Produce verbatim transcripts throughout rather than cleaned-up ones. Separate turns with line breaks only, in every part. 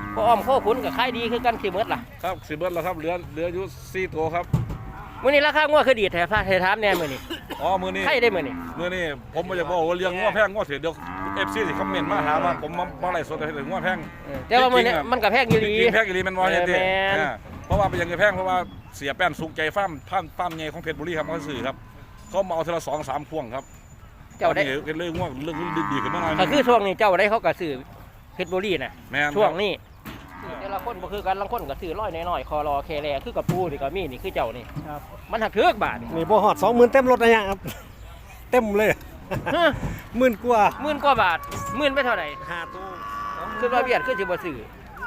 พออ้อมโคขุนกับขายดีคือกันสิเบิดล่ะ
ครับสิเบิดแล้วครับเหลือเหลืออยู่สี่ตัวครับ
มื้อนี้ราคางัวคือดีแท้พาให้ถามแน่มื้อนี้
อ๋อมื้อนี้
ใครได้มื้อนี้
มื้อนี้ผมบ่อยากบอกว่าเลี้ยงงัวแพงงัวเสียเดี๋ยว เอฟ ซี สิคอมเมนต์มาหาว่าผมมาไล่สดให้งัวแพง
แต่ว่ามื้อนี้มันก็แพงอีหลี
แพงอีหลีแม่นบ่เนี่ยติเพราะว่าเป็นยังไงแพงเพราะว่าเสียแป้นสุกใจฟาร์มฟาร์มฟาร์มใหญ่ของเพชรบุรีครับเขาซื้อครับเขามาเอาทีละสองสามพวงครับ
เจ้าได้
เรื่องง่วงเรื่องดีๆขึ้นมาหน่อย
ก็คือช่วงนี้เจ้าได้เขาก็ซื้อเพชรบุรีน่ะช่วงนี้แต่ละคนบ่คือกันบางคนก็ซื้อร้อยน้อยๆคอรอแคแลคือกับปูนี่ก็มีนี่คือเจ้านี่มันหักเถือกบาท
นี่บ่ฮอด สองหมื่น เต็มรถนะเนี่ยครับเต็มเลยหมื่นกว่า
หมื่นกว่าบาทหมื่นไปเท่าไหร่
ห้าตู้
คือว่าเบียดคือสิบ่ซื้อ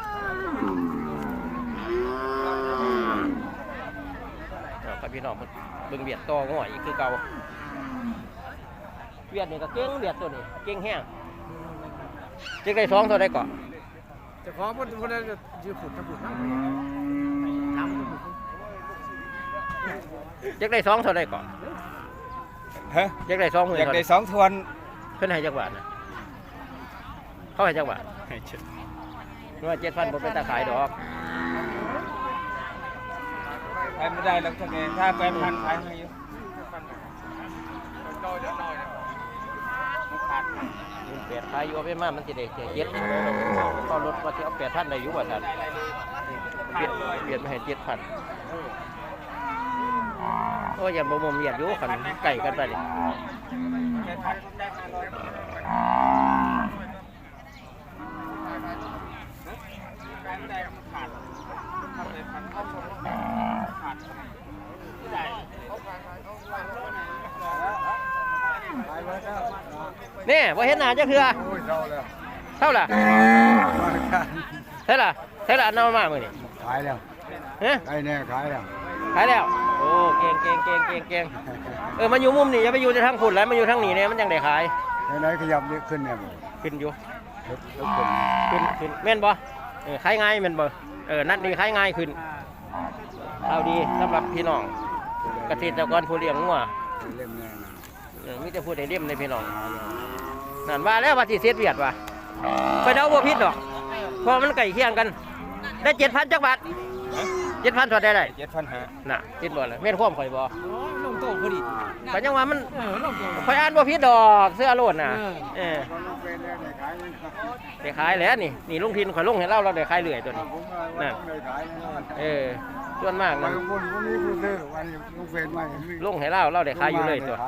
ครับพี่น้องเบิ่งเบียดต่อง่อยอีกคือเก่าเบียดนี่ก็เก่งเบียดตัวนี้เก่งแห้งจักได้สองเท่าใดก่อน
จะขอเพิ่นเพิ่นจะยืมฝุ่นทำฝุ่นนั่งทำฝุ่น
จักได้สองเท่าใดก่อน
ฮะ
จักได้สองหมื่น
อยากได้สองทวน
เพิ่นให้จักบาทนะเขาให้จักบาทให้เจ็ดว่าเจ็ดพันบ่เป็นตาขายดอก
ไปไม่ได้แล้วท่านเองถ้าแปดพันขายให้อยู่
แปดขายอยู่เอาไปมามันสิได้เจ็ดก็ลดว่าที่เอาแปดพันได้อยู่ว่าท่านเปลี่ยนเปลี่ยนมาให้เจ็ดพันโอ้ยอย่าบ่มมเหยียดอยู่ขันไก่กันไปดินี่ว่าเห็นหน้าจะคือเท่าไหร่เท่าไหร่เท่าไหร่น้ำมาเมื่อนี่
ขายแล้ว
ฮะ
ขายแน่ขายแล้ว
ขายแล้วโอ้เก่งเก่งเก่งเก่งเก่งเออมาอยู่มุมนี่อย่าไปอยู่ที่ทางฝุ่นแล้วมาอยู่ทางนี้เนี่ยมันยังได้ขาย
ไหนๆขยับขึ้นเนี่ย
ขึ้นอยู่ขึ้นขึ้นแม่นบ่เออขายง่ายแม่นบ่เออนัดนี้ขายง่ายขึ้นเอาดีสำหรับพี่น้องเกษตรกรผู้เลี้ยงงัวมีแต่พูดในเล่มในพี่น้องนั่นว่าแล้วว่าสิเสียเวียดว่ะไปเดาบ่ผิดดอกเพราะมันไก่เคียงกันได้เจ็ดพันจักบาทเจ็ดพันถอดได้ไร
เจ็ดพันห้า
น่ะติดบ่เลยแม่นความข่อยบ่
ลงโต๊ะพอดี
แต่ยังว่ามันข่อยอ่านบ่ผิดดอกเสื้อโลดน่ะเออได้ขายแล้วนี่นี่ลุงทินข่อยลงให้เราเราได้ขายเรื่อยตัวนี้นั่นเออส่วนมากนะลงให้เราเราได้ขายอยู่เลยตัว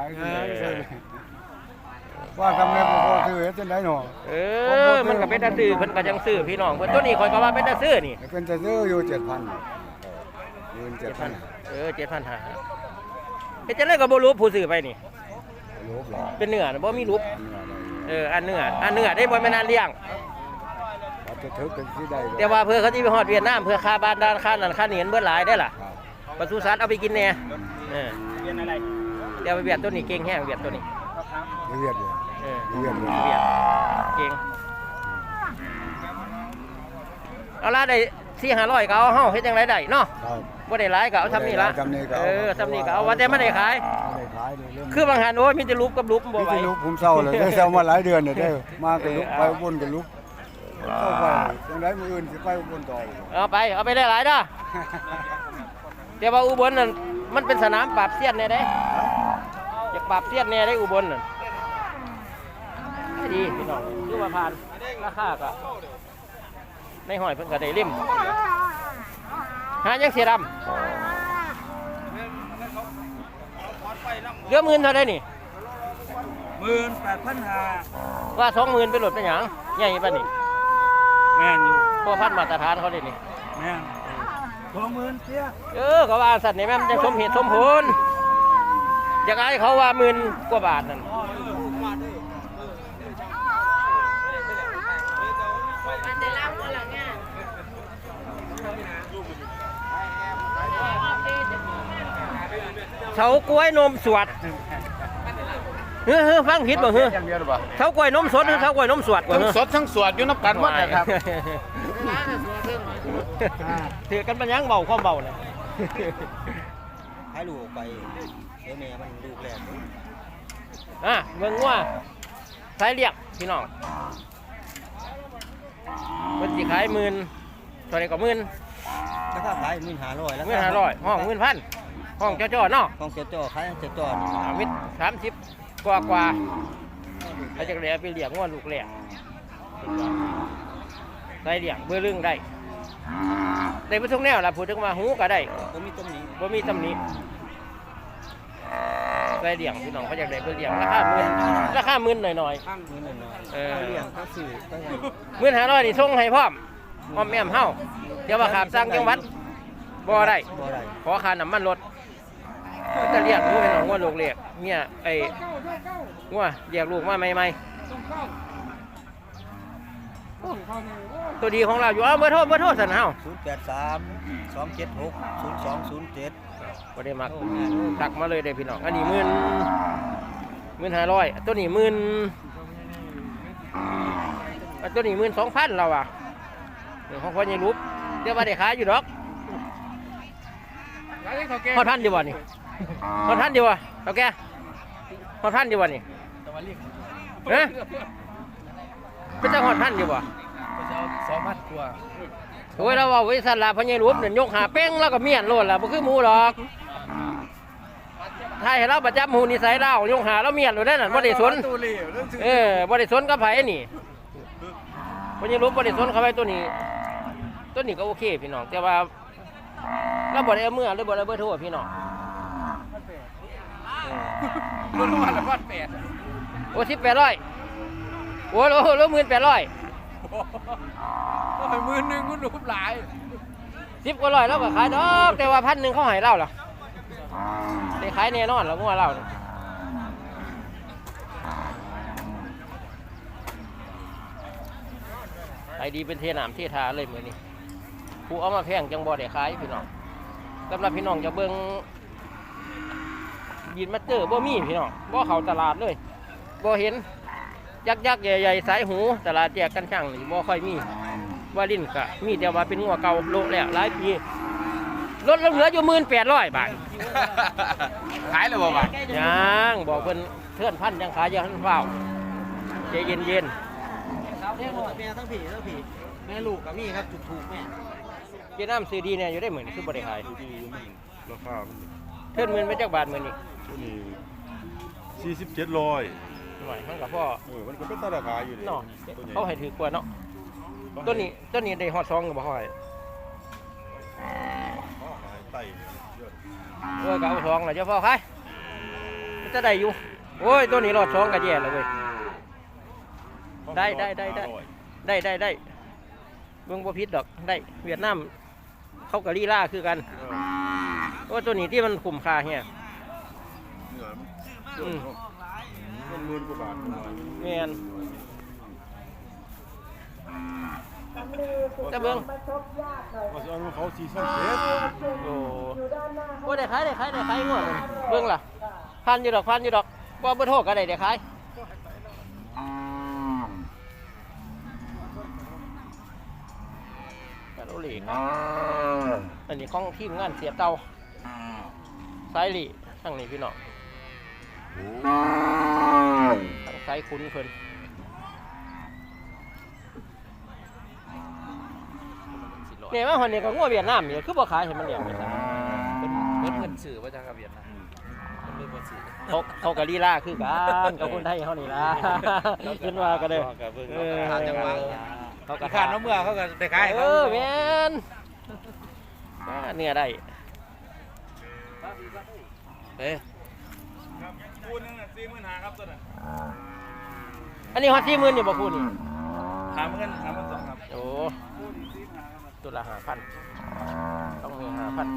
ว่าทำไงผมก็ซื้อจะได้หนอ
เออมันก็เป็นตาซื้อเพิ่นก็ยังซื้อพี่น้องเพิ่นตัวนี้ข่อยก็ว่าเป็นตาซื้อนี่
เป็นตาซื้ออยู่เจ็ดพันเงินเจ็ดพัน
เออเจ็ดพันห้าเฮ็ดจังได๋ก็บ่รู้ผู้ซื้อไปนี่
รูปหรอ
เป็นเนื้อบ่มีรูปเอออันเนื้ออันเนื้อได้บ่แม่นอันเลี้ยง
จะถึกเป็นที่ใด
แต่ว่าเพื่อเขาสิไปฮอดเวียดนามเพื่อค่าบ้านด้านค่านั้นค่านี้เบิดหลายได้ล่ะปศุสัตว์เอาไปกินแน่เออเวียดอะไรเดี๋ยวไปเวียดตัวนี้เก่งแห้งเวียดตัวนี้
เวียดเลย
เออเวียดเวียดเก่งเอาละได้สี่ห้าร้อยก็เอาเฮาเฮ็ดจังไดได้เนาะบ่ได้หลายก็เอาทำนี่ละเออทำนี่ก็เอาว่าแต่ไม่ได้ขายคือบางหันโอ้ยมีแต่รูปกับรูปบ่ไหว
มีแต่รูปผมเศร้าเลยได้เศร้ามาหลายเดือนเนี่ยได้มากับรูปไปบนกับรูปเข้าไปจังไดมื้ออื่นสิไปบนต่อ
เอาไปเอาไปได้หลายเด้อแต่ว่าอุบลนั่นมันเป็นสนามปราบเสี้ยนแน่เด้อยากปราบเสี้ยนแน่ได้อุบลนั่นดีพี่น้องคือว่าผ่านราคาก็ในห้อยเพิ่นก็ได้ริมหายังเสียดำเดือหมื่นเท่าไรนี่
หมื่นแปดพันห้า
ว่าสองหมื่นไปหลดเป็นหยังใหญ่ป่ะนี่
แม่นอยู่
พวกพันมาตรฐานเขาเลยนี่
แม่นสองหมื่นเสีย
เออเขาว่าสัตว์นี่แม่มันจะสมเหตุสมผลอยากให้เขาว่าหมื่นกว่าบาทนั่นเฉากล้วยนมสวดเฮ้ยฟังผิดบ่เฮ้ยเฉากล้วยนมสดหรือเฉากล้วยนมสวดกว่า
ทั้งสดทั้งสวดอยู่นับกันหมดเลยครับ
ถือกันเป็นยังเบาความเบาเลย
ให้ลูกไปเดี๋ยวแม่มันลูกแรก
อ่ะเบิ่งว่าสายเรียกพี่น้องมันสิขายหมื่นเท่าไหร่ก็หมื่น
ราคาขายหมื่นห้าร้อยแล้ว
หมื่นห้าร้อยห้องหมื่นพันห้องจ่อๆเนาะ
ของเจ้าจ่อขายเจ้าจ่อ
อ่ามิตรสามสิบกว่ากว่าถ้าจะเหลือไปเลี้ยงว่าลูกแหลกได้เลี้ยงเบื่อเรื่องได้ได้ไปทุกแนวล่ะพูดถึงว่าหูก็ได้
ผมมีตรงนี้
บ่มีตำหนิได้เลี้ยงพี่น้องเขาอยากได้เพื่อเลี้ยงราคาหมื่นราคาหมื่นหน่อย
ข้างหมื่นหน่อย
ๆเออ
เลี้ยงเขาสื่อตั้งแต่
หมื่นห้าร้อยนี่ส่งให้พร้อมพร้อมแม่มเฮาเดี๋ยวว่าขาบสร้างจังหวัดบ่ได้
บ่ได้
ขอค่าน้ำมันรถมันจะเรียกลูกเป็นของว่าลูกเรียกเนี่ยไอ้งัวเรียกลูกมาใหม่ๆโอ้ตัวดีของเราอยู่เอาเบอร์โทรเบอร์โทรสันเฮา
ศูนย์แปดสามสองเจ็ดหกศูนย์สองศูนย์เจ็ด
บ่ได้มักตักมาเลยเด้อพี่น้องอันนี้หมื่นหมื่นห้าร้อยตัวนี้หมื่นอันตัวนี้หมื่นสองพันเราอ่ะเดี๋ยวของพ่อใหญ่รูปเดี๋ยวว่าได้ขายอยู่ดอกพอท่านดีกว่านี่พอท่านดีกว่าโอเคพอท่านดีกว่านี่เอ๊ะเป็นเจ้าหอดท่านดีกว่า
สองพันกว่า
โอ้ยเราว่าวิสันลาพญารูปเนี่ยยกหาเป้งแล้วก็เมียนโลดละบ่คือหมูหรอกถ้าให้เราประจำหูนิสัยเรายกหาเราเมียนโลดได้นั่นบ่ได้สนเออบ่ได้สนกับไผนี่พญารูปบ่ได้สนกับไผตัวนี้ตัวนี้ก็โอเคพี่น้องแต่ว่าเราบ่ได้เอาเมื่อหรือบ่ได้เบอร์โทรพี่น้องเบอร์โทรละพันแปดโอ้สิบแปดร้อยโอ้โหโลหมื่นแปดร้อย
หมื่นหนึ่งคุณรูปหลาย
สิบกว่าร้อยแล้วก็ขายดอกแต่ว่าพันหนึ่งเขาให้เราเหรอได้ขายแน่นอนแล้วงัวเราเนี่ยขายดีเป็นเทน้ำเททาเลยเหมือนนี้ผู้เอามาแพงจังบ่ได้ขายพี่น้องสำหรับพี่น้องจะเบิ่งยินมาเจอบ่มีพี่น้องบ่เข้าตลาดเลยบ่เห็นยักษ์ยักษ์ใหญ่ๆสายหูตลาดแจกกันช่างนี่บ่ค่อยมีว่าลิ้นกะมีแต่ว่าเป็นงัวเก่าโลแล้วหลายปีลดเหลืออยู่หมื่นแปดร้อยบาท
ขายเลยบ่บ่
ยังบอกเพิ่นเทื่อนพันยังขายยังทันเฝ้าใจเย็นเย็น
แม่แม่ทั้งผีทั้งผีแม่ลูกกับมี่ครับถูกถูกแม่
ๆเจน้ำซื้อดีเนี่ยอยู่ได้เหมือนคือบริขาย
ราคา
เทื่อนหมื่นไปจักบาทเหมือนนี่
ตัวนี้สี่สิบเจ็ดร้อย
หน่อยมันกับพ่อ
เออมันก็เป็นตราคาอยู่
เนาะเขาให้ถือกว่าเนาะต้นนี้ต้นนี้ได้ฮอดซองกับบ่ค่อย
ไต่เยอะ
เออก็เอาซองแล้วเจ้าพ่อขายมันจะได้อยู่โอ้ยตัวนี้รอดซองก็แย่แล้วเว้ย ได้ได้ได้ได้ ได้ได้ได้เบิ่งบ่ผิดดอกได้เวียดนามเขาก็ลีลาคือกันโอ้ตัวนี้ที่มันคุ้มค่าเฮีย
เหนือ
อืม
มันหมื่นกว่าบาท
แม่นจะเบิ่ง
ว่าจะเอาเขาสี่สิบเจ็ด
โอ้โอ้ได้ขายได้ขายได้ขายงวดมันเบิ่งล่ะพันอยู่ดอกพันอยู่ดอกบ่เบ่โทษก็ได้ได้ขายกะโลเหล็กอันนี้ของทีมงานเสียเตาสายหลีทั้งนี้พี่น้องทั้งสายคุ้นเพิ่นเนี่ยว่าคนนี้ก็งัวเวียดนามนี่คือบ่ขายให้มันเลี้ยงไปซะ
เพิ่นเพิ่นสื่อว่าจะกับเวียดนามเพิ่นเพิ่นสื่อ
เขาเขาก็ลีลาคือกันกับคนไทยเฮานี่ล่ะขึ้นว่าก็ได้เออ
เขาก็ขาดน้ำเมื่อเขาก็ได้ขาย
เออแม่นอ่าเนื้อได้
เอ้ย
คูณนึงน่ะสี่หมื่นห้าครับตัวน่ะ
อันนี้ฮอดสี่หมื่นอยู่บ่คูนี่
สามหมื่นสามหมื่นสองครับ
โอ้ตัวละห้าพันต้องมีห้าพัน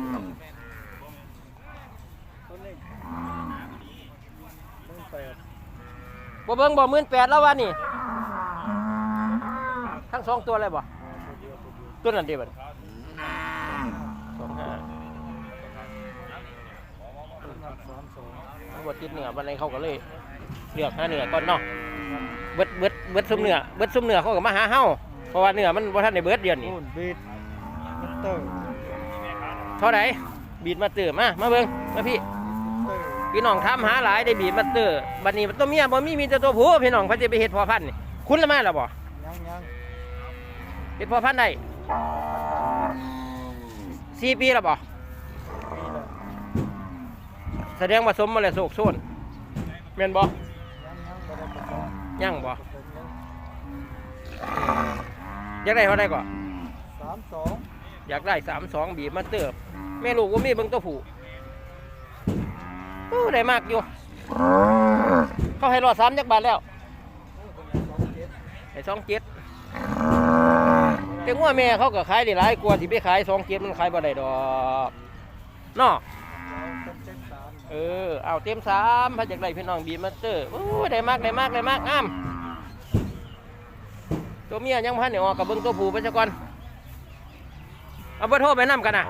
บ่เบิ่งบ่หมื่นแปดแล้ววันนี้ทั้งสองตัวเลยบ่ตัวนั้นเดียวบัดสองห้าบดติดเหนือบันไดเขาก็เลยเลือกหาเหนือก่อนเนาะเบิดเบิดเบิดซุมเหนือเบิดซุมเหนือเขาก็มาหาเฮาเพราะว่าเหนือมันบ่ทันได้เบิดเดือนนี้
บีดมันเตอร์
เท่าไหร่บีดมาเตอร์มามาเบิ่งมาพี่พี่น้องถามหาหลายได้บีดมาเตอร์บัดนี้ตัวเมียบ่มีมีแต่ตัวผู้พี่น้องเพิ่นสิไปเฮ็ดพ่อพันธุ์นี่คุณละมาแล้วบ่
ยังยัง
เฮ็ดพ่อพันธุ์ได้สี่ปีแล้วบ่แสดงว่าสมมาแล้วโศกโซนแม่นบ่ยังบ่อยากได้เท่าไหร่ก่อน
สามสอง
อยากได้สามสองบีบมาเติบแม่ลูกว่ามีเบิ่งตัวผู้โอ้ได้มากอยู่เขาให้รอดสามจักบาทแล้วให้สองเจ็ดแต่งัวแม่เขาก็ขายได้หลายกว่าที่ไปขายสองเจ็ดมันขายบ่ได้ดอกเนาะเออเอาเต็มสามพระจากได้พี่น้องบีบมาเตอร์โอ้ได้มากได้มากได้มากอ้ามตัวเมียยังพันเนี่ยออกกับเบิ้งตัวผู้ไปซะก่อนเอาเบอร์โทรไปนำกันนะ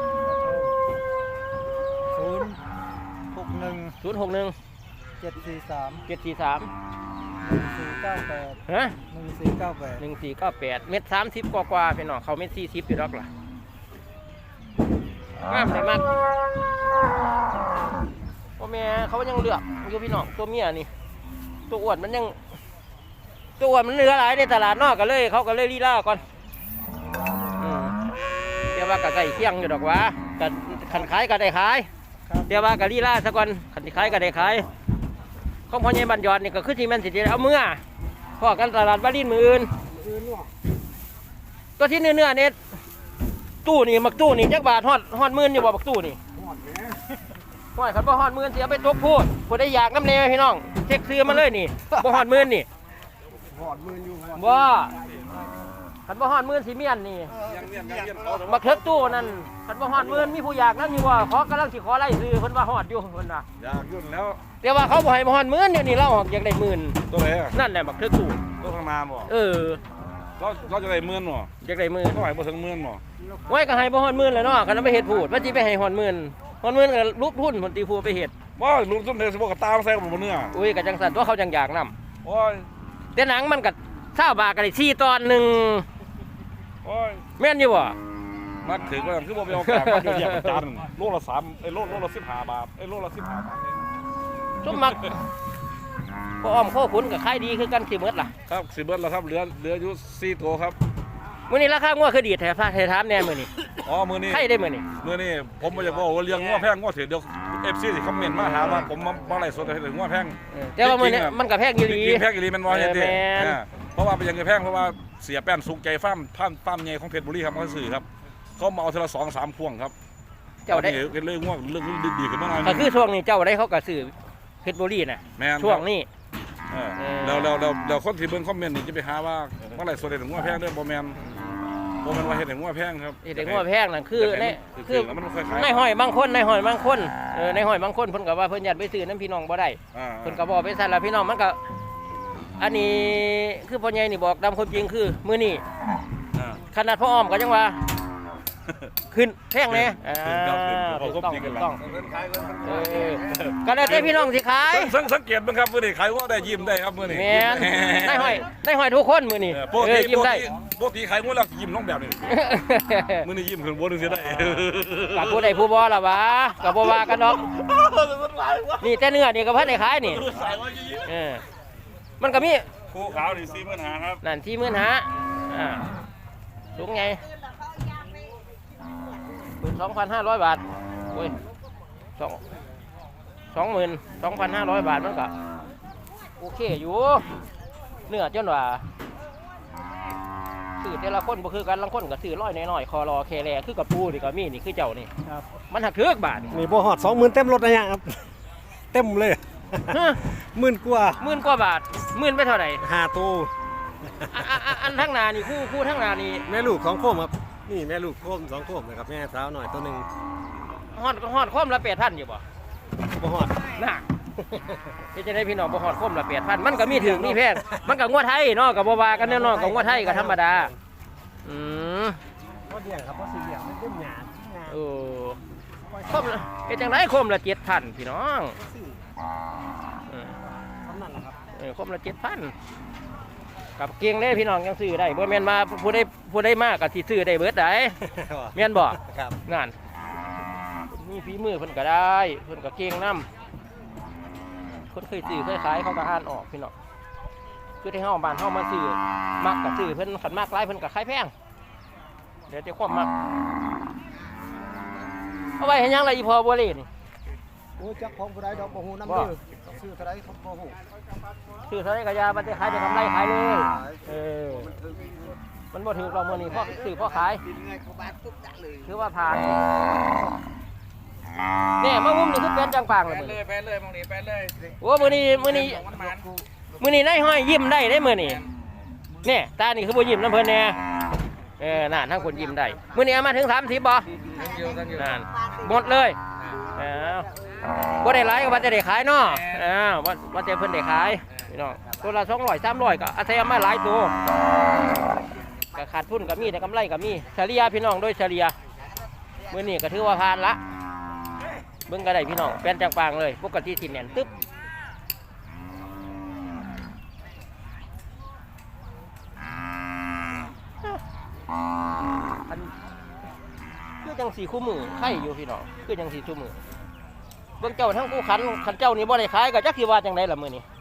ศูนย์หกหนึ่ง
ศูนย์หกหนึ่ง
เจ็ดสี่สาม
เจ็ดสี่สาม
หนึ่งสี่เก้าแปด
ฮะ
หนึ่งสี่เก้าแปด
หนึ่งสี่เก้าแปดเม็ดสามสิบกว่ากว่าพี่น้องเขาเม็ดสี่สิบอยู่ดอกล่ะงามได้มากตัวเมียเขายังเลือกอยู่พี่น้องตัวเมียนี่ตัวอ้วนมันยังตัวอ้วนมันเหลือหลายในตลาดนอกกันเลยเขาก็เลยลีลาก่อนอืมเดี๋ยวว่ากับไก่เคียงอยู่ดอกวะกันขันขายก็ได้ขายเดี๋ยวว่ากับลีลาซะก่อนขันขายก็ได้ขายของพ่อใหญ่บันยอดนี่ก็คือที่มันสิเอาเมื่อพ่อกันตลาดบ้านลินมืออื่นตัวที่เนื้อเนื้อเนี่ยตู้นี่มักตู้นี่จักบาทฮอดฮอดหมื่นอยู่บ่มักตู้นี่ห้อยขันบ่ฮอดหมื่นเสียไปตกพูดผู้ใดอยากน้ำเนยพี่น้องเช็คซื้อมาเลยนี่บ่ฮอดหมื่นนี่
หอดมืออยู่
บ่ขันบ่ฮอดหมื่นสิเมียนนี่
ยังเมียนยังเมียนเขาแต่
มักเถิกตู้นั่นขันบ่ฮอดหมื่นมีผู้อยากนั่นอยู่ว่าขอกำลังสิขอไล่ซื้อเพิ่นว่าฮอดอยู่เพิ่นน่ะ
อยากยุ่นแล้ว
แต่ว่าเขาบ่ให้บ่ฮอดหมื่นเดี๋ยวนี้เราออกอยากได้หมื่น
ตัวไหนอ่ะ
นั่นแหละมักเถิกตู้
ตัวข้างหน้าบ่
เออ
เราเราจะได้หมื่นบ่
อยากได้หมื่น
เท่าไหร่บ่ถึงหมื่นบ่
ไว้ก็ให้บ่ฮอดหมื่นแล้วเนาะคันเอาไปเฮ็ดพูดว่าสิไปให้ฮอดหมื่นฮอดหมื่นก็รูปทุนผลตีผู้ไปเฮ็ด
ว่าลุงส้มเทสบอกกับตามใส่กับบ่เนื้อ
อุ้ยก็จังซั่นตัวเขาจังอยากนำ
โอ้ย
แต่หนังมันก็เช้าบาทก็ได้สี่ตอนหนึง
โอ้ย
แม่นอยู่บ่
นักถือว่าคือบ่ไปเอากลางมันเดียวๆจานโลละสามไอ้โลโลละสิบห้าบาทไอ้โลละสิบห้าบาทเอง
สมมักบ่อ้อมโคขุนก็ขายดีคือกันสิหมดล่ะ
ครับสิเบิดแล้วครับเหลือเหลืออยู่สี่ตัวครับ
มื้อนี้ราคางัวคือดีแท้พาให้ถามแน่มื้อนี้
อ๋อมื้อนี้
ใครได้มื้อนี้
มื้อนี้ผมบ่อยากบอกว่าเลี้ยงงัวแพงงัวเถื่อนเดี๋ยว เอฟ ซี สิคอมเมนต์มาหาว่าผมมามาไล่สดให้ถึงงัวแพง
เออแต่ว่ามื้อนี้มันก็แพงอยู่
จ
ดี
ริงๆแพงอีหลีแม่นบ่
เอ
เฮ็ด
อ
ดิ
แม่น
อ่าเพราะว่าเป็นหยังไงแพงเพราะว่าเสียแป้นสุกใจฟาร์มฟาร์มฟาร์มใหญ่ของเพชรบุรีครับเขาซื้อครับเขามาเอาทีละสองสามพวงครับ
เจ้าได้
ตอนนี้เรื่องงัวเรื่องดีๆขึ้นมาหน่อย
ก็คือช่วงนี้เจ้าได้เขาก็ซื้อเพชรบุรีน่ะ
แม่นครับ
ช่วงนี้
เออ
เออ
แล้วแล้วแล้วแล้วคนที่เบิ่งคอมเมนต์นี่จะไปหาว่าเมื่อไหร่สดได้ถึงงัวแพงเด้อบ่แม่นบ่แม่นว่าเฮ็ดให้งัวแพงครับ
เด็กงัวแพงนั่นคือใน
คื
คือ อ
แล้วมันค่อยขาย
ในห้อยบางคนในห้อยบางคนเออในห้อยบางคนเพิ่นก็ว่าเพิ่นอยากไปซื้อน้ำพี่น้องบ่ได้
อ่า
เพิ่นก็บอกไปซั่นล่ะพี่น้องมันก็อันนี้คือพ่อใหญ่นี่บอกตามความจริงคือมื้อนี้
อ่า
ขนาดพ่ออ้อมก็ยังว่าขึ้นแพงแน่
ขึ้นครับขึ้น
อ่า
ผม
ถูก
ก็
ต้อง
จริงกั
ถู
น
ก
ละ
ต้องเออก็แล้วแต่พี่น้องสิขาย
สังสังเกตบ้างครับมื้อนี้ขายงัวได้ยิ้มได้ครับมื้อนี้
แม่นได้ห้อยได้ห้อยทุกคนมื้อนี้
เออปก
เอ
ติ
อยิ้มได้
ปกติขายงัวแล้วยิ้มน้องแบบนี้มื้อนี้ยิ้มขึ้นบนนึงเสียได้
กับผู้ใดผู้บ่ล่ะวะกับบ่ว่ากันดอกนี่แต่เนื้อนี่ก็พันได้ขายนี่เออมันก็มี
คู่ขาวนี่สี่หมื่นห้าครับ
นั่นที่หมื่นหาอ่าสูงไงหมื่นสองพันห้าร้อยบาทโอ้ยสองสองหมื่นสองพันห้าร้อยบาทมันก็โอเคอยู่เนื้อจนว่าซื้อแต่ละคนบ่คือกันลังคนก็ซื้อร้อยน้อยๆคอรอแคแลคือกับปูนี่ก็มีนี่คือเจ้านี่
ครับ
มันหักเทือกบาท
นี่บ่ฮอดสองหมื่นเต็มรถนะเนี่ยครับ เต็มเลย
ฮะ
หมื่นกว่า
หมื่นกว่าบาทหมื่นไปเท่าไหร่
ห้าตู้
อันอันอันอันทั้งหนานี่คู่คู่ทั้งหนานี่
แม่ลูกสองโคมครับนี่แม่ลูกโคมสองโคมนะครับแม่สาวหน่อยตัวหนึ่ง
ฮอดฮอดคมละแปดพันอยู่บ่
บ่ฮอด
น่ะ ที่จะได้พี่น้องบ่ฮอดคมละแปดพันมันก็มีถึงมีแพงมันก็งวดไทยเนาะกับบ่ว่ากันแน่นอนกับงวดไทยก็ธรรมดาอืม
บ่เดี่ยงครับบ่สิเดี่ยงมันเต็มหยาดหยาด
โอ้คมละเฮ็ดจังไดคมละเจ็ดพันพี่น้องเออ
ทำนั่นแหละครับ
เออคมละเจ็ดพันกับเกียงเด้พี่น้องยังซื้อได้บ่แม่นมาผู้ใดผู้ใดมากก็สิซื้อได้เบิดได้แม่นบ่
ครับ
งานมีฝีมือเพิ่นก็ได้เพิ่นก็เก่งนํคนเคยซื้อเคยขายเขาก็อ่านออกพี่น้องคือที่เฮาบ้านเฮามาซื้อมักก็ซื้อเพิ่นขันมากหลายเพิ่นก็ขายแพงเดี๋ยวจะความมักเอาไว้เห็นยังไรอีพอบัวเล่นี่
โอ้จักของผู้ใดดอกบ่ฮู้นำเด้อซื้อเท่าใดเขาบ่ฮู้
ซื้อเท่าไรก็ยามันจะขายจะกำไรขายเลยเออมันบ่ถือเราเมื่อนี้พ่อซื้อพ่อขาย
กินไงเขาบาดปุ๊บจักเลย
ถือว่าผ่านเนี่ยมะม่วงนี่คือเป็นจังปังเลย
ไปเลยไปเลยมองนี่ไปเลย
โอ้มื้อนี้มื้อนี้
มันมัน
มื้อนี้นายห้อยยิ้มได้ได้มื้อนี้เนี่ยตานี่คือบ่ยิ้มน้ำเพิ่นแน่เออนั่นทั้งคนยิ้มได้มื้อนี้เอามาถึงสามสิบบ่
ทั้งอยู่ทั้งอยู่
นั่นหมดเลยเอ้าบ่ได้หลายก็ว่าจะได้ขายเนาะเอ้าว่าว่าจะเพิ่นได้ขายพี่น้องตัวละสองร้อย สามร้อยก็อาศัยเอามาหลายตัวก็ขาดทุนก็มีแต่กำไรก็มีเฉลี่ยพี่น้องโดยเฉลี่ยมื้อนี้ก็ถือว่าผ่านละเบิ่งก็ได้พี่น้องเป็นจังปางเลยปกติสิแน่นตึ๊บอันคือจังสีคู่มือไข่อยู่พี่น้องคือจังสีคู่มือเบิ่งเจ้าทั้งคู่ขันขันเจ้านี่บ่ได้ขายก็จักสิว่าจังไดล่ะมื้อนี้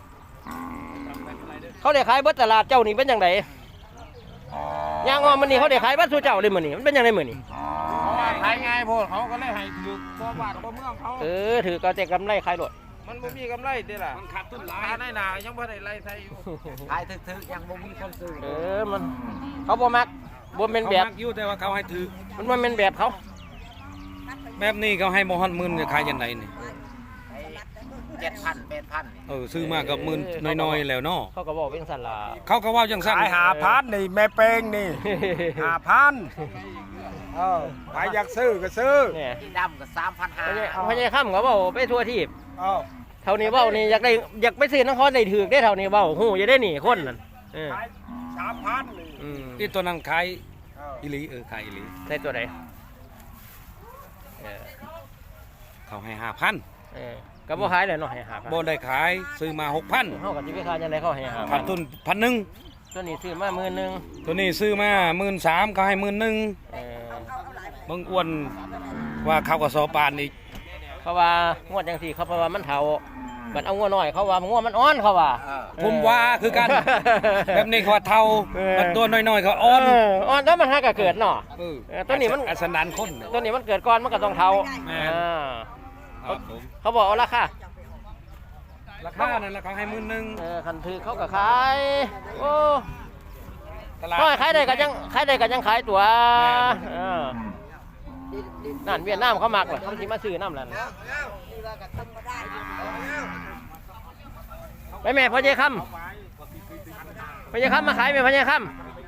เขาได้ขายเบิดตลาดเจ้านี่เป็นจังไดย่างว่ามื้อนี้เขาได้ขายเบิดสู่เจ้าเลยมื้อนี้มันเป็นจังไดมื้อนี้
เพราะว่าขายง่ายโพดเขาก็เลยให้ถือบ่บาทบ่เมืองเขา
เออถือก็แต่กำไรขายรถ
มันบ่มีกำไรเด้ล่ะมันขาดทุนหลายในหนายังบ่ได้ไล่ไทยอยู่
ขายถึกๆยังบ่มีคนซื้อ
เออมันเขาบ่มักบ่แม่นแบบ
เขามักอยู่แต่ว่าเขาให้ถือ
มันบ่แม่นแบบเขา
แบบนี้เขาให้บ่ฮอดหมื่นจะขายจังไดนี่
เจ็ดพันแปดพัน
เออซื้อมากับหมื่นน้อยๆแล้วเนาะ
เขาก็บอกเป็นสันลา
เขาก็เว้าจังซั่น
ขายหาพันนี่แม่เป้งนี่หาพันเออใครอยากซื้อก็ซื้อ
เนี่ย
ที่ดำก็สามพันห้า
พญาพญาค่ำเขาบอกไปทั่วทีบ
เออ
เท่านี้เว้านี่อยากได้อยากไปซื้อน้ำเขาได้ถือได้เท่านี้เว้าหูจะได้หนีคนนั่นเออ
ขายสามพันนี่
อืม
ที่ตัวนั้นขาย
เออ
อีหลีเออขายอีหลี
ใส่ตัวไหนเออ
เขาให้ห้าพัน
เออก็บ่ขายเลยเนาะให้หาพัน
บ่ได้ขายซื้อมาหกพัน
เฮากับที่ไปขายจังไดเขาให้หาพั
ขาด
น
ทุนพันหนึ่ง
ตัวนี้ซื้อมาหมื่นหนึง
ตัวนี้ซื้อมาหมื่นสามเขาให้หมื่นหนึ่ง
เออ
มึงอ้วนว่าเขาก็สอปานอีก
เขาว่างวดจังซี่เขาเพราะว่ามันเฒ่าบัดเอางัวน้อยเขาว่างวดมันอ่อนเขาว่า
ผมว่าคือกัน แบบนี้เขาว่าเท่า
เออ
มันตัวน้อยๆเขาอ่อน
เอ่อนแล้วมันหาก็เกิดเนาะ
เออ
เออตัวนี้มัน
อัศนันคนเนี่ย
ตัวนี้มันเกิดก่อนมันก็ต้องเฒ่า
แม่น
อ่า
ครับผม
เขาบอกเอาราคา
ราคานั่นราคาให้หมื่นหนึ่ง
เออคันถือเขาก็ขายโอ้
ตลาด
ก็ขายได้ก็ยังขายได้ก็ยังขายตัว
แม่น
เออนั่นเวียดนามเขามักเหรอเขาสิมาซื้อน้ำนั่นไปแม่พ่อเจ้คำพ่อเจ้คำมาขายแม่พ่อเจ้ค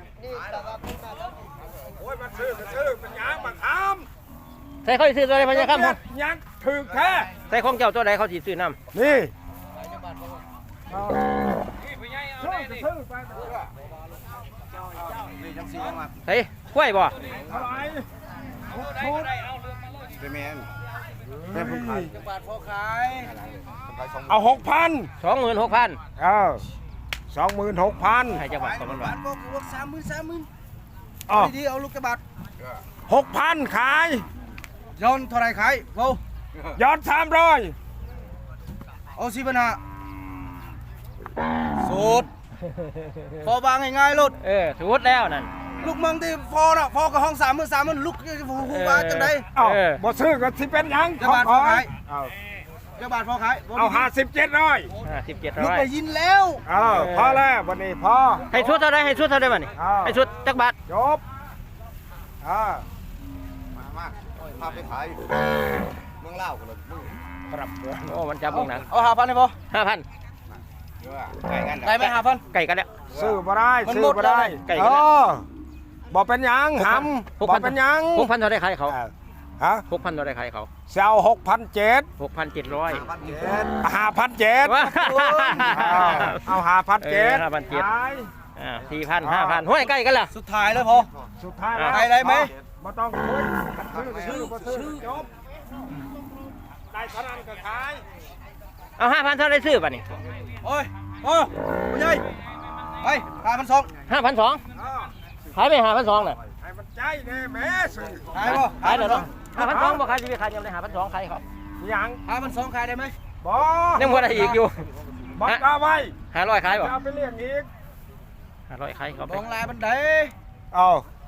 โอ้ยมันซื้อก็ซื้อเป็นหยังมาท
ำใส่เขาสิซื้อตัวใดพ่อ
ำ
เจ้คำ
ยังถึกแท้
ใส่ของเจ้าตัวใดเขาสิซื้อน้
นี่
ซื้อซื้อไป
ำเฮ้ยกล้วยบ่
เท่าไหร่เป็นแมนแม่ผมขาย
บาทพอขาย
เอาหกพัน
สองหมื่นหกพัน
เออสองหมื่นหกพัน
ให้จังหวัดของมันว่า
บาทพอกูสามหมื่นสามหมื่น
อ๋อ
ดีๆเอาลูกกระบาด
หกพันขาย
ย้อนเท่าไรขายโว้
ยอดสามร้อย
เอาสิปัญหาสูตรพอบางง่ายๆลุด
เออถูกแล้วนั่น
ลูกเมืองที่ฟอน่ะฟอกับห้องสามหมื่นสามหมื่นลูกหูหูว่าจังได
เอ้า
เออ
บ่ซื้อก็สิเป็นหยัง
จะบาทพอขาย
เอา
กระบาดพอขาย
เอาห้าสิบเจ็ดร้อย
ห้าสิบเจ็ด
ลูก
ร้อย
ไปยินแล้ว
เออพอแล้ววันนี้พอ
ให้ชุดเท่าไรให้ชุดเท่าไรบ้านี่
อ้าว
ให้ชุดจักบาท
จบอ่า
พาไปขายเมืองเล่ากันเลย
ครับ
โอ้มันจับมึงนะ
เอาห้าพันได้พอ
ห้าพัน
ได้ไหมห้าพัน
ไก่กันแล้ว
ซื้อบ่ได้
มัน
ซื้อ
หมด
บ่ได้
ไก่
เอ
ก็ได้
อบ่เป็นหยังหำบ่เป็นหยัง
หกพันเท่าไรขายเขา
เออฮะ
หกพันเท่าไรขายเขา
เซลหกพันเจ็ด
หกพันเจ็ดร้อย
ห้าพันเจ็ด
ว้า
เอาห้าพันเจ็ด
ห้าพันเจ็ดอ่าสี่พันห้าพันห้วยใกล้กันล่ะ
สุดท้ายแล้วพอ
สุดท้ายแล้ว
ได้ได้ไหม
บ่ต้องคุยซื้อบ่ซื้อจบได้เท่านั้นก็ขาย
เอาห้าพันเท่าไรซื้อป่ะนี่
โอ้ยโอ้ยผู้ใหญ่ไปห้าพันสอง
ห้าพันสอง
เออ
ขายไปห้าพันสองน่ะ
ให้มันใจแน่แม่ซื้อ
ขายบ่
ขายเดี๋ยวเนาะห้าพันสองบ่ขายจะไปขายยังไงห้าพันสองขายเขา
ยัง
ห้าพันสองขายได้ไหม
บ่
ยังบ่ได้อีกอยู่
บ่กล้าไว้
ห้าร้อยขายบ่
จะเอาไปเลี้ยงอีก
ห้าร้อยขายเขาไป
บองลายบันได
เอา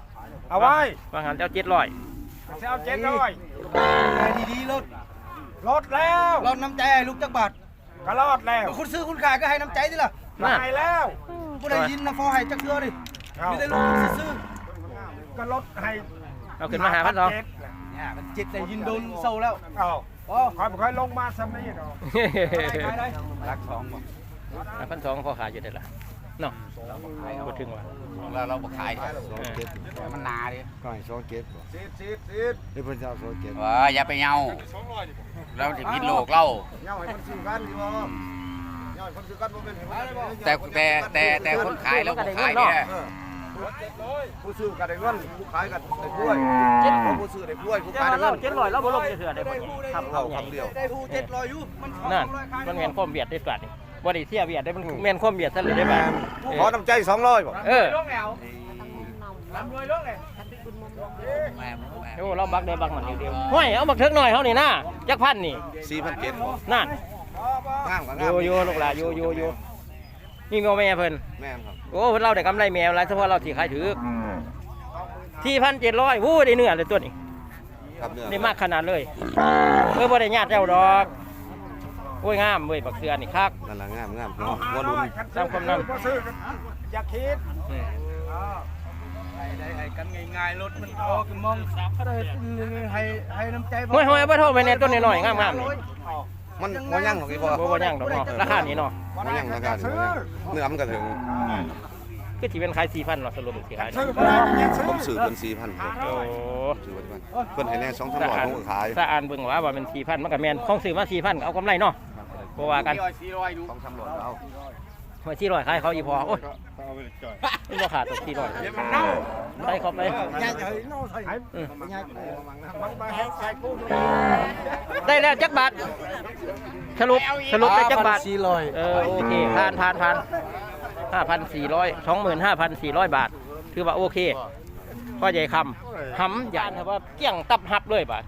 เอาไว้
บางหันเจ้าเจ็ดร้อย
จะเอาเจ็ดร้อย
ดีๆรถ
ลดแล้ว
รถน้ำใจให้ลูกจักบาท
ก็รอดแล้ว
คุณซื้อคุณขายก็ให้น้ำใจดิล่ะ
นั่น
หายแล้ว
ผู้ใดยินนะฟอให้จักเทื่อดิ
เอา
มีแต่ลูกคุณซื้อ
ก็ลดให้
เอาขึ้นมาหาพันสอง
เจ็ด
เนี่ยมันจิตแต่ยินโดนเศร้าแล้ว
เอา
โอ้
คอยบ่ค่อยลงมาซ้ำนี่เนาะ
ขายได้รักสองบ่
พันสองพอขายอยู่เด็ดละเนาะพูดถึงว่า
เราเราบ่ขาย
เออ
มันนาดิ
ก็ให้สองเก็บบ่
ซีดซีดซีด
นี่เพิ่นจะเอาสองเก็บ
ว่าอย่าไปเหงาเราจะพิดโลกเรา
เงาให้มันซื้อกันดีบ่เงาให้คนซื้อกันบ่เป็นเห็นไหม
แต่แต่แต่แต่คนขายเราบ่ขายเนี่ย
ผู้ซื้อกันได้เงินผู้ขายกันได้กล้วยผู้ซื้อได้กล้วยผู้
เจ้า
ขายได้
เรา
เงิน
เจ็ดร้อยเราบ่ลงจะเถื่อได้บ่ทำ
เอา
เอาใหญ่
คำเดียว
ได้ผู้เจ็ดร้อยอยู่มัน
นั่นมันแม่นความเบียดได้กัดนี่บ่ได้เสียเบียดได้มันแม่นความเบียดซะเลยได้บ่า
ขอน้ำใจสองร้อยบ่
เออ
ลงแล้วลำรวยลงเลย
แม่แม่
โอ้เราบักได้บักมันเดียวห้วยเอาบักเถิกหน่อยเฮานี่นะจักพันนี่
สี่พันเจ็ด
นั่น
งามกับ
อง
าม
ยู่อยู่ลูกหลานอยู่อยู่อยู่นี่แม่เพิ่น
แม่นครับ
โอ้เพิ่นเราได้กำไรแมวหลายเฉพาะเราที่ขายถือที่พันเจ็ดร้อยวู้ได้เนื้อเลยตัวนี้
ครับเนื้อ
ได้มากขนาดเลยเออบ่ได้ญาติเจ้าดอกโอ้ยงามเว้ยบักเสือนี่คัก
นั่นล่ะงามงาม
เนาะ
หัวรุ่น
ตามความนั้น
บ่ซื้อกันอย่าคิด
อืม
ได้ให้กันง่ายๆรถมันออกมองสับก็ได้ให้ให้น้ำใจ
ห้วยห้วยเอาไปโทษไปในต้นน้อยๆงามๆนี่
มันบ่ยั่งหรอกพี่พ่อ
บ่บ่ย่างดอกเนาะราคานี้เนาะ
บ่ยั่งราคาถึงบ่ยั่งเนื้อมันก็ถึง
คือสิเป็นขายสี่พันเนาะสรุปสิขาย
ซื้อบ่ได้ยังซื้อผมซื้อเพิ่นสี่พัน
โอ้
ซื้อไว้ที่บ้านเพิ่นให้แน่สองสามร้อยผมก็ขาย
ถ้าอ่านเบิ่งว่าว่าเป็นสี่พันมันก็แม่นของซื้อมาสี่พันเอากำไรเนาะบ่ว่ากัน
สองสามร้อยเอา
มาสี่ร้อยขายเขาอีพอโอ้ยมันบ่ขาดตกสี่ร้อยไปเข้าไป
ย่างเฉยโน่ใส่
อืม
ย่างมันมาเฮ็ดใส่กู
ได้แล้วจักบาทสรุปสรุปได้จักบาท
สี่ร้อย
เออโอเคผ่านผ่านผ่านห้าพันสี่ร้อยสองหมื่นห้าพันสี่ร้อยบาทถือว่าโอเคพ่อใหญ่คำหำใหญ่ครับว่าเกี้ยงตับหับเลยบาท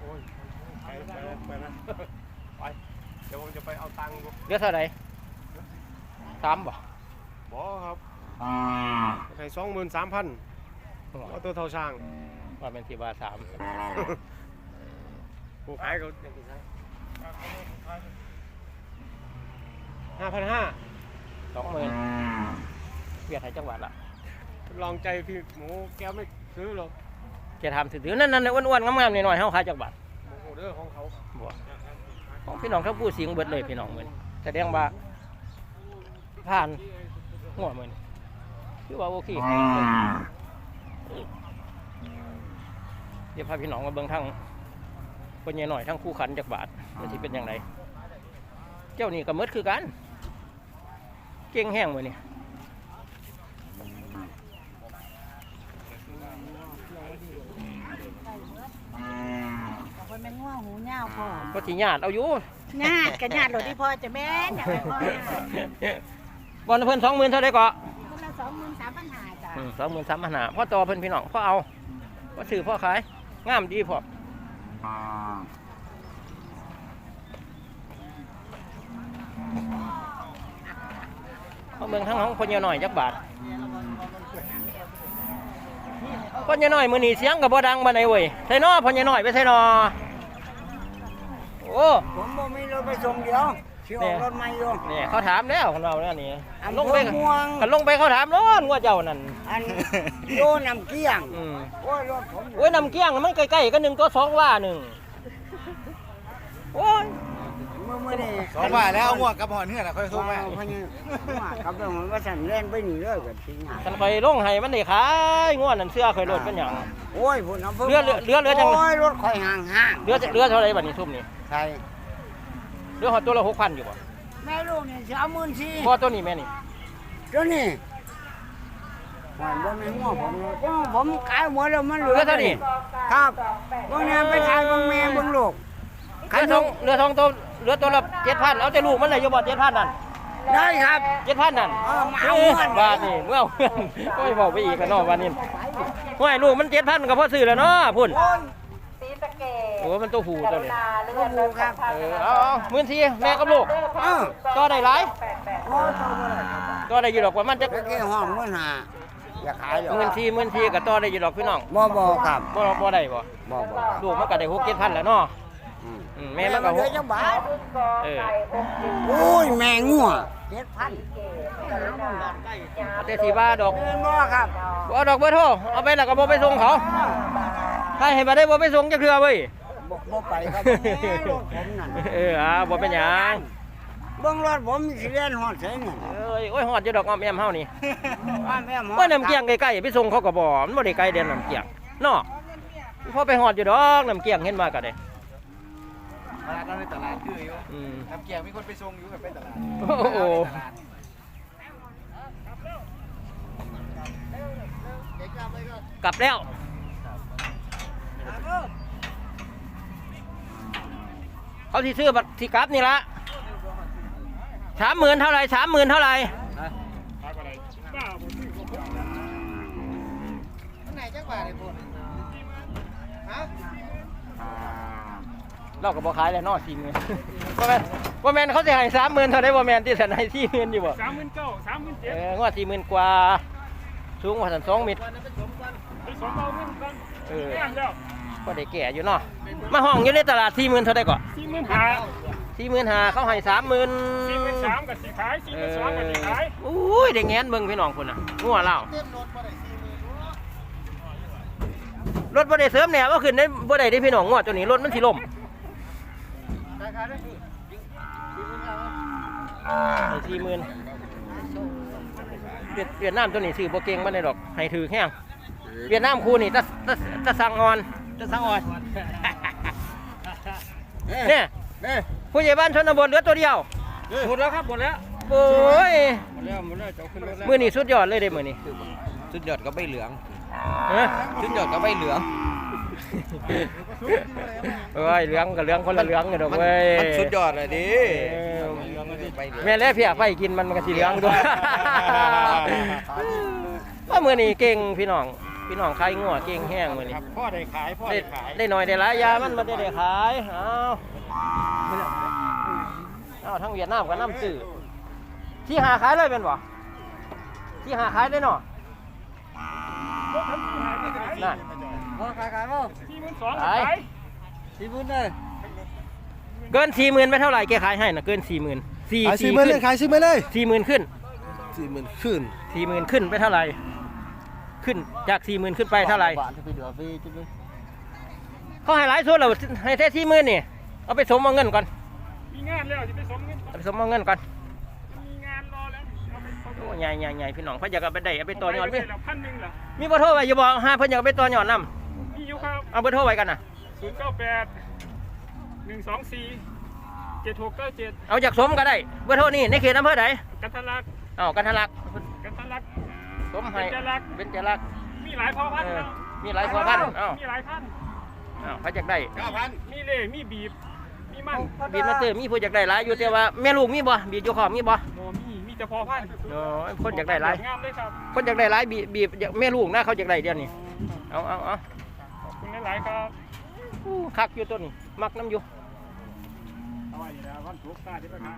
เดี๋ยวผมจะไปเอาตังค์
เรียกเท่าไหร่สามบ่
บ่ครับให้สองหมื่นสามพันเอาตัวเท่าช่าง
ว่าเป็นสี่บาทสาม
ผู้ขายเขาห้าพันห้า
สองหมื่นเวียดไทยจังหวัดละ
ลองใจพี่หมูแกไม่ซื้อหรอก
จะทำถือๆนั่นนั่นอ้วนๆงามๆหน่อยๆเฮาขายจักบาท
โอ้โหเด้อของเขา
บ่ของพี่น้องทั้งผู้เสียงเบิดเลยพี่น้องเหมือนแสดงว่าผ่านหัวเหมือนคือว่าโอเคเดี๋ยวพาพี่น้องมาเบิ่งทั้งคนใหญ่หน่อยทั้งคู่ขันจักบาทมันสิเป็นยังไงเจ้านี่ก็มืดคือกันเก่งแห้งมื้อนี่
มันเป็นง่วงหูเงาพ่อ
ก็สิญาติเอาอยู่
ญาติกับญาติหลดที่พ่อจะแม่นอยากให้พ่อญาติ
บอลเพิ่นสองหมื่นเท่าไรก็
คนละสองหมื่นสามพันห้าจ้ะ
สองหมื่นสามพันหาพ่อต่อเพิ่นพี่น้องพ่อเอาพ่อซื้อพ่อขายงามดีพ่อพ่อเมืองทั้งของคนเยอะหน่อยจักบาทคนเยอะหน่อยมือหนีเสียงกับบ่ดังบ่ไหนเว้ยใส่นอพ่อเยอะหน่อยไปใส่นอโอ้
ผมบ่มีรถไปส่งเดียวสิออกรถใหม่อยู่
เนี่ยเขาถามแล้วของเราเนี่ยนี่
อำเภอ
ลงไป
ม่วง
กันลงไปเขาถามร้อนว่าเจ้านั่น
อันโยนำเกี้ยง
อืม
โอ้ยรถผม
โอ้ยนำเกี้ยงมันใกล้ๆกันหนึ่งตัวสองว่าหนึ่งโอ้ย
เมื่อมื่อนี้
สองบาทแล้วเอาหัวกับหอนเนื้อน่ะค่อยโทรมา
พะนี่มากับเรื่องของว่าฉันเล่นไปนี่เลยกับทีงาน
กันไปลงให้มันได้ขายง่วนนั่นเสื้อเคยโหลดเป็นอย่าง
โอ้ยพุ่นเอาพิ่
เรือเรือเรือเรือจัง
โอ้ยรถข่อยห่างห่าง
เรือเรือเท่าไรบัดนี้ทุ่มนี่
ใช่
เรือหอดตัวละหกพันอยู่ป่ะ
แม่ลูกนี่สิเอาหมื่นสี่
พอตัวนี้แม่นี่
เจ้านี่หวานบ่แม่นหัวผมเลยก็ผมขายหมดแล้วมันเหลือ
เรือเท่านี้
ครับบางแม่ไปขายบางแม่บางลูก
เรือทองเรือทองตัวเรือตัวละเจ็ดพันเอาแต่ลูกมันเลยอยู่บ่เจ็ดพันนั่น
ได้ครับ
เจ็ดพันนั่น
เออมาเอาเงิน
บาทนี่เมื่อเอาเงินก็ไม่บอกไปอีกกันเนาะวันนี้ห้วยลูกมันเจ็ดพันก็พอซื้อแล้วเนาะพุ่น
สีสะเกด
โอ้มันตัวผูตัวนี้
เลื่อนเลยครับ
เออเอาเอาหมื่นสี่แม่กับลูก
เออ
ก็ได้หลาย
โอ้ยตัวบ่ได้ครับ
ก็ได้อยู่ดอกว่ามันจะ
ตะกี้ห้องมื่นหา
อ
อย่าขายหรอก
หมื่นสี่หมื่นสี่ก็ต่อได้อยู่ดอกพี่น้อง
บ่บ่ครับ
บ่บ่ได้บ่
บ่บ่ครับ
ลูกมันก็ได้หกเจ็ดพันแล้วเนาะ
อืม
อืมแม่มันก็ห
เหลือก จังบาท
เออ
โอ้ยแม่งัวเจ็ดพัน
แต่สีบ้าดอก
เงินบ่ครับ
บ่เอาดอกเบอร์โทรเอาไปแล้วก็บ่ไปส่งเขาถ้าให้บ่ได้บ่ไปส่งจักเทื่อเว้ย
บ่บ่ไปครับแม่รถผมนั่น
เอออ่าบ่เป็นหยัง
เบิ่งรถผมสิเรียนฮอดไสนั่น
เอ้ยโอ้ยฮอดอยู่ดอกอ้อมแอมเฮานี่
บ้านแม่หมอ
ว่าน้ำเกียงใกล้ๆไปส่งเขาก็บ่มันบ่ได้ไกลเด่นน้ำเกียงเนาะพอไปฮอดอยู่ดอกน้ำเกียงเห็นมาก็ได้
ตลาดในตลาดคืออยู่
อืม
น้ำเกียงมีคนไปส่งอยู่กับไปตลาด
โอ้โหกลับแล้วเขาที่ซื้อบัตรที่กลับนี่ละสามหมื่นเท่าไรสามหมื่นเท่าไรเราก็บอกขายเลยเนอสี่หมื่นว่าแมนว่าแมนเขาจะให้สามหมื่นเท่าไรว่าแมนที่สันให้สี่หมื่นอยู่บ่
สามหมื่นเก้าสามหมื่นเจ็ด
เอองวดสี่หมื่นกว่าสูงกว่าสันสองเมตร
ไปสองเก้าเงินกัน
เออ
แม่นแล้ว
ก็ได้แก่อยู่เนาะมาห้องอยู่ในตลาดสี่หมื่นเท่าไรก่อน
สี่หมื่นห้า
สี่หมื่นหาเขาให้สามหมื่น
สี่หมื่นสามกับสี่ขายสี่หมื่นสองกับสี่ขาย
อุ้ยเด็กแงนเบิ่งพี่น้องคนน่ะงัวเล่ารถบ่ได้เสริมแหน่ว่าขึ้นได้บ่ได้ได้พี่น้องงัวตัวนี้รถมันสิล่มสี่หมื่นเวียดเวียดนามตัวนี้ซื้อบ่เก่งบ่ได้ดอกให้ถือแห้งเวียดนามคู่นี่ตะตะตะสังออนตะสังออนเนี่ยผู้ใหญ่บ้านชนบทเหลือตัวเดียว
หมดแล้วครับหมดแล้ว
โอ้ย
หมดแล้วหมดแล้วจะขึ้นรถแล้ว
มือนี่สุดยอดเลยเด้มือนี่
สุดยอดก็ใบเหลือง
ฮะ
สุดยอดก็ใบเหลือง
เอ้ยเหลืองกับเหลืองคนละเหลืองกันดอกเว้ย
มันสุดยอดเลยดิ
เออ
ใบเหลือง
แม่แล้วเพียกไปกินมันมันก็สีเหลืองด้วยว่ามือนี่เก่งพี่น้องพี่น้องขายงัวเก่งแห้งมือนี่
พ่อได้ขายพ่อ
ได้
ได้ขาย
ได้หน่อยได้หลายยามันมันได้ได้ขายเอาเอาทั้งเวียดนามกับน้ำจืดที่หาขายเลยเป็นบ่ที่หาขายได้เนาะนั่น
บ่ขายขายบ่
สี่หมื่นสอง
ขาย
ขาย
สี่หมื่นเลย
เกินสี่หมื่นไม่เท่าไหร่แกขายให้นะเกินสี่หมื่นสี่
ขายสี่หมื่นเลยขายสี่หมื่นเลย
สี่หมื่นขึ้น
สี่หมื่นขึ้น
สี่หมื่นขึ้นไปเท่าไหร่ขึ้นจากสี่หมื่นขึ้นไปเท่าไหร่
บาทจะไปเดือดฟรีจุ๊บ
เขาให้หลายส่วนเราให้แค่สี่หมื่นนี่เอาไปสมเอาเงินก่อน
มีงานแล้วจะไปสมเงิน
เอาไปสมเอาเงินก่อน
มีงานรอแล้วเอาไปสม
โอ้ใหญ่ใหญ่ใหญ่พี่น้องเพิ่นอยากเอาไปได้เอาไปต่อยอด
ไป
มี
แล้วพันหนึ่งเหรอ
มีเบอร์โทรไว้อย่าบอกห้าเพิ่นอยากเอาไปต่อยอดนำ
มีอยู่ครับ
เอาเบอร์โทรไว้กันนะ
ศูนย์เก้าแปดหนึ่งสองสี่เจ็ดหกเก้าเจ็ด
เอาจากสมก็ได้เบอร์โทรนี่ในเขตอำเภอใด
กันทะลัก
เอากันทะลัก
กันทะลัก
สมให้
เบญจรักษ์
เป็นจรักษ์
มีหลายพ่อพัน
เอ
ธุ์
อ
แล้ว
มีหลายพัวพันธุ์เอ้า
มีหลายพันธุ์
เอ้าเขาอยากได้
มีเล่มีบีบ มีมัน
บีดมาเตอร์มีผู้อยากได้หลายอยู่แต่ว่าแม่ลูกมีบ่บีดอยู่ขอบมีบ่
โมมีมีแต่พ่อพันธุ์
โอ้ยคนอยากได้หลาย
งามเลยครับ
คนอยากได้หลายบีบบีบแม่ลูกนะเขาอยากได้เดี๋ยวนี้เอาเอาเอา
ขอบคุณหลายๆครับ
อู้คักอยู่ตัวนี้มักน้ำอยู่
เอาไว้เดี๋ยววันศุกร์หน้าที่ไปหา